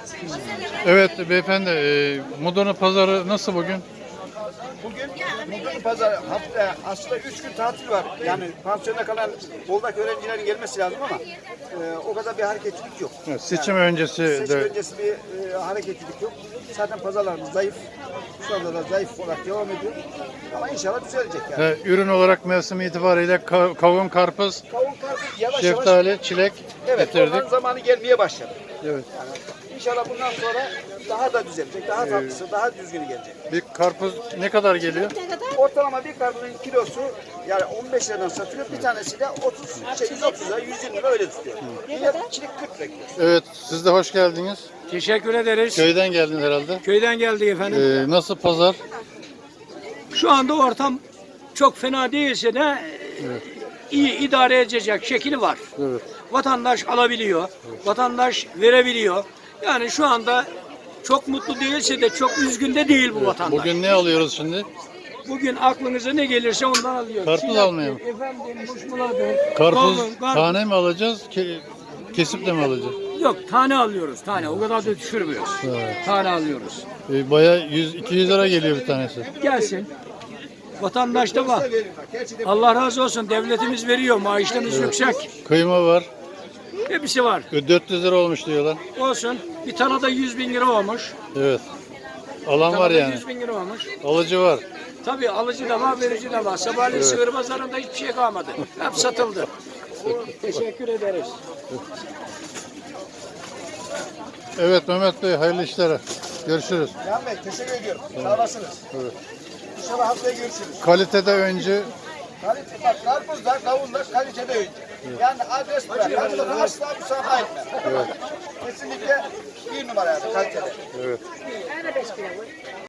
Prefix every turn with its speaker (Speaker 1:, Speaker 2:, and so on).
Speaker 1: Evet beyefendi, Mudurnu pazarı nasıl bugün?
Speaker 2: Bugün Mudurnu pazarı hafta aslında 3 gün tatil var. Yani pansiyonda kalan Bolu'daki öğrencilerin gelmesi lazım ama o kadar bir hareketlilik yok.
Speaker 1: Evet, seçim öncesi
Speaker 2: Seçim
Speaker 1: de
Speaker 2: öncesi bir hareketlilik yok. Zaten pazarlarımız zayıf. Şu anda da zayıf olarak devam ediyor. Ama inşallah düzelecek yani.
Speaker 1: ürün olarak mevsim itibariyle kavun, karpuz,
Speaker 2: Kavun karpuz yavaş
Speaker 1: şeftali, çilek
Speaker 2: evet,
Speaker 1: getirdik.
Speaker 2: onların zamanı gelmeye başladı.
Speaker 1: Evet.
Speaker 2: Yani inşallah bundan sonra daha da düzelecek, daha tatlısı, daha düzgünü gelecek.
Speaker 1: Bir karpuz ne kadar geliyor?
Speaker 2: Ortalama bir karpuzun kilosu yani 15 liradan satılıyor. Bir tanesi de 130 lira, 120 lira öyle tutuyor. Bir çilik 40 lira kilosu.
Speaker 1: Evet, siz de hoş geldiniz.
Speaker 3: Teşekkür ederiz.
Speaker 1: Köyden geldiniz herhalde.
Speaker 3: Köyden geldik efendim.
Speaker 1: Nasıl pazar?
Speaker 3: Şu anda ortam çok fena değilse de iyi idare edecek şekli var.
Speaker 1: Evet.
Speaker 3: Vatandaş alabiliyor, vatandaş verebiliyor. Yani şu anda çok mutlu değilse de çok üzgün de değil bu vatandaş.
Speaker 1: Bugün ne alıyoruz şimdi?
Speaker 3: Bugün aklınıza ne gelirse ondan alıyoruz.
Speaker 1: Karpuz almaya mı?
Speaker 3: Efendim, muşmuladır.
Speaker 1: Karpuz
Speaker 3: kavun,
Speaker 1: tane mi alacağız, kesip de mi alacağız?
Speaker 3: Yok, tane alıyoruz, tane. O kadar da düşürmüyoruz. Tane alıyoruz.
Speaker 1: Bayağı 100-200 lira geliyor bir tanesi.
Speaker 3: Gelsin. Vatandaş da var. Allah razı olsun. Devletimiz veriyor. Maaşlarımız yüksek.
Speaker 1: Kıyma var.
Speaker 3: Hepsi var.
Speaker 1: 400 lira olmuş diyorlar.
Speaker 3: Olsun. Bir tane de 100.000 lira olmuş.
Speaker 1: Evet. Alan
Speaker 3: Bir
Speaker 1: var
Speaker 3: tane de
Speaker 1: yani.
Speaker 3: 100.000 lira olmuş.
Speaker 1: Alıcı var.
Speaker 3: Tabii alıcı da var, verici de var. Sabahleyin sığır pazarında hiçbir şey kalmadı. Hep satıldı. Teşekkür ederiz.
Speaker 1: Evet Mehmet Bey, hayırlı işler. Görüşürüz.
Speaker 2: Can Bey teşekkür ediyorum. Sağ olasınız.
Speaker 1: Evet.
Speaker 2: İnşallah haftaya görüşürüz.
Speaker 1: Kalitede önce
Speaker 2: Kalite, bak karpuzlar, kavunlar kalitede önce. Yani adres bırak. Hadi bakalım asla müsaade etme. Kesinlikle bir numara yani kalitede.
Speaker 1: evet.